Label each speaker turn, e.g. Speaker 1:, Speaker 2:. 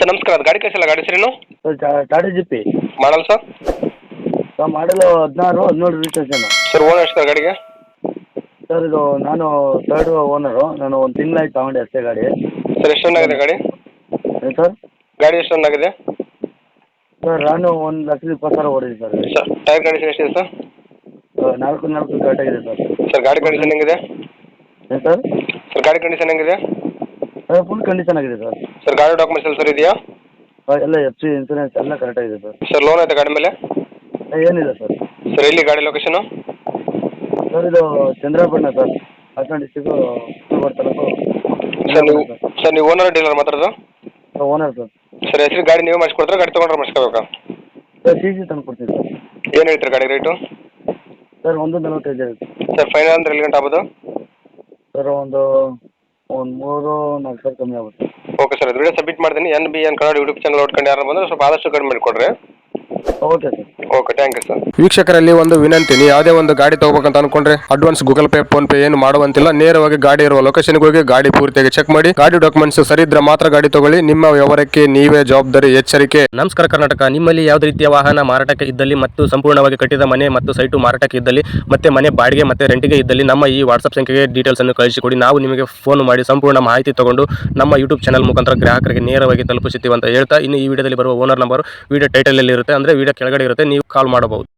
Speaker 1: Sir ನಮಸ್ಕಾರ, ಅದು ಗಾಡಿ ಕಳಿಸಿಲ್ಲ, ಗಾಡಿ ಹೆಸರೇನು?
Speaker 2: ಸರ್ ಟಾಟಾ ಜಿಪ್ಪಿ
Speaker 1: model sir?
Speaker 2: Sir model 16-17 registration.
Speaker 1: Sir owner ಎಷ್ಟು ಸರ್ ಗಾಡಿಗೆ?
Speaker 2: ಸರ್ ಇದು ನಾನು ಥರ್ಡ್ ಓನರು. ನಾನು ಒಂದು ತಿಂಗಳಾಯ್ತು ತಗೊಂಡೆ ಅಷ್ಟೇ ಗಾಡಿ.
Speaker 1: ಸರ್ ಎಷ್ಟು ರನ್ ಆಗಿದೆ ಗಾಡಿ?
Speaker 2: ಏನು ಸರ್?
Speaker 1: ಗಾಡಿ ಎಷ್ಟು ರನ್ ಆಗಿದೆ?
Speaker 2: ಸರ್ ನಾನು 1,20,000 ಓಡಿದೆ ಸರ್ ಗಾಡಿ.
Speaker 1: ಸರ್ ಟೈರ್ ಕಂಡೀಷನ್ ಎಷ್ಟಿದೆ ಸರ್?
Speaker 2: 4 ಕರೆಕ್ಟಾಗಿದೆ ಸರ್.
Speaker 1: ಸರ್ ಗಾಡಿ ಕಂಡೀಷನ್ ಹೆಂಗಿದೆ?
Speaker 2: ಏನು ಸರ್?
Speaker 1: ಸರ್ ಗಾಡಿ ಕಂಡೀಷನ್ ಹೆಂಗಿದೆ?
Speaker 2: ಫುಲ್ ಕಂಡೀಷನ್ ಆಗಿದೆ ಸರ್.
Speaker 1: ಸರ್ ಗಾಡಿ ಡಾಕ್ಯುಮೆಂಟ್ಸ್ ಎಲ್ಲ ಸರ್ ಇದೆಯಾ?
Speaker 2: ಎಲ್ಲ FC ಇನ್ಸೂರೆನ್ಸ್ ಎಲ್ಲ ಕರೆಕ್ಟಾಗಿದೆ ಸರ್.
Speaker 1: ಸರ್ ಲೋನ್ ಆಯ್ತಾ ಗಾಡಿ ಮೇಲೆ?
Speaker 2: ಏನಿಲ್ಲ ಸರ್.
Speaker 1: ಸರ್ ಎಲ್ಲಿ ಗಾಡಿ ಲೊಕೇಶನು?
Speaker 2: ಸರ್ ಇದು Chandrapattana sir, Hassan district, Kulbarga taluk.
Speaker 1: Sir ನೀವು ಓನರ್ ಡೀಲರ್ ಮಾತಾಡೋದು?
Speaker 2: Owner sir.
Speaker 1: ಸರ್ ಹೆಸರು ಗಾಡಿ ನೀವು ಮಾಡಿಸ್ಕೊಡ್ತಾರೆ, ಗಾಡಿ ತೊಗೊಂಡ್ರೆ ಮಾಡಿಸ್ಕೋಬೇಕಾ?
Speaker 2: ಸರ್ CC ತಂದು ಕೊಡ್ತೀನಿ ಸರ್.
Speaker 1: ಏನು ಹೇಳ್ತೀರಿ ಗಾಡಿ ರೇಟು?
Speaker 2: ಸರ್ 1,45 ಆಗುತ್ತೆ.
Speaker 1: ಸರ್ ಫೈನಲ್ ಅಂದ್ರೆ ಎಲ್ಲಿ ಗಂಟೆ ಆಗ್ಬೋದು?
Speaker 2: ಸರ್ ಒಂದು 3-4 ಸಾವಿರ ಕಮ್ಮಿ ಆಗುತ್ತೆ.
Speaker 1: ಓಕೆ ಸರ್, ಅದು ವಿಡಿಯೋ ಸಬ್ಮಿಟ್ ಮಾಡ್ತೀನಿ. NBN ಕನ್ನಡ ಯೂಟ್ಯೂಬ್ ಚಾನಲ್ ನೋಡ್ಕೊಂಡು ಯಾರು ಬಂದರೆ ಸ್ವಲ್ಪ ಆದಷ್ಟು ಕಡಿಮೆ ಮಾಡಿಕೊಡ್ರಿ.
Speaker 2: Okay sir.
Speaker 1: Okay, thank you sir.
Speaker 3: ವೀಕ್ಷಕರಲ್ಲಿ ಒಂದು ವಿನಂತಿ, ನೀವು ಯಾವುದೇ ಒಂದು ಗಾಡಿ ತಗೋಬೇಕಂತ ಅನ್ಕೊಂಡ್ರೆ advance Google Pay PhonePe ಏನು ಮಾಡುವಂತಿಲ್ಲ. ನೇರವಾಗಿ ಗಾಡಿ ಇರುವ ಲೊಕೇಶನ್ಗೆ ಹೋಗಿ ಗಾಡಿ ಪೂರ್ತಿಯಾಗಿ ಚೆಕ್ ಮಾಡಿ, ಗಾಡಿ ಡಾಕ್ಯುಮೆಂಟ್ಸ್ ಸರಿ ಇದ್ರೆ ಮಾತ್ರ ಗಾಡಿ ತಗೊಳ್ಳಿ. ನಿಮ್ಮ ವ್ಯವಹಾರಕ್ಕೆ ನೀವೇ ಜವಾಬ್ದಾರಿ. ಎಚ್ಚರಿಕೆ.
Speaker 4: ನಮಸ್ಕಾರ ಕರ್ನಾಟಕ. ನಿಮ್ಮಲ್ಲಿ ಯಾವುದೇ ರೀತಿಯ ವಾಹನ ಮಾರಾಟಕ್ಕೆ ಇದ್ದಲ್ಲಿ ಮತ್ತು ಸಂಪೂರ್ಣವಾಗಿ ಕಟ್ಟಿದ ಮನೆ ಮತ್ತು ಸೈಟು ಮಾರಾಟಕ್ಕೆ ಇದ್ದಲ್ಲಿ ಮತ್ತೆ ಮನೆ ಬಾಡಿಗೆ ಮತ್ತೆ ರೆಂಟಿಗೆ ಇದ್ದಲ್ಲಿ ನಮ್ಮ ಈ ವಾಟ್ಸ್ಆಪ್ ಸಂಖ್ಯೆಗೆ ಡೀಟೇಲ್ಸ್ ಅನ್ನು ಕಳಿಸಿಕೊಡಿ. ನಾವು ನಿಮಗೆ ಫೋನ್ ಮಾಡಿ ಸಂಪೂರ್ಣ ಮಾಹಿತಿ ತಗೊಂಡು ನಮ್ಮ ಯೂಟ್ಯೂಬ್ ಚಾನಲ್ ಮುಖಾಂತರ ಗ್ರಾಹಕರಿಗೆ ನೇರವಾಗಿ ತಲುಪಿಸುತ್ತೀವಿ ಅಂತ ಹೇಳ್ತಾ, ಇನ್ನು ಈ ವಿಡಿಯೋದಲ್ಲಿ ಬರುವ ಓನರ್ ನಂಬರ್ ವಿಡಿಯೋ ಟೈಟಲ್ ಅಲ್ಲಿ ಇರುತ್ತೆ, ಅಂದ್ರೆ ವಿಡಿಯೋ ಕೆಳಗಡೆ ಇರುತ್ತೆ, ನೀವು ಕಾಲ್ ಮಾಡಬಹುದು.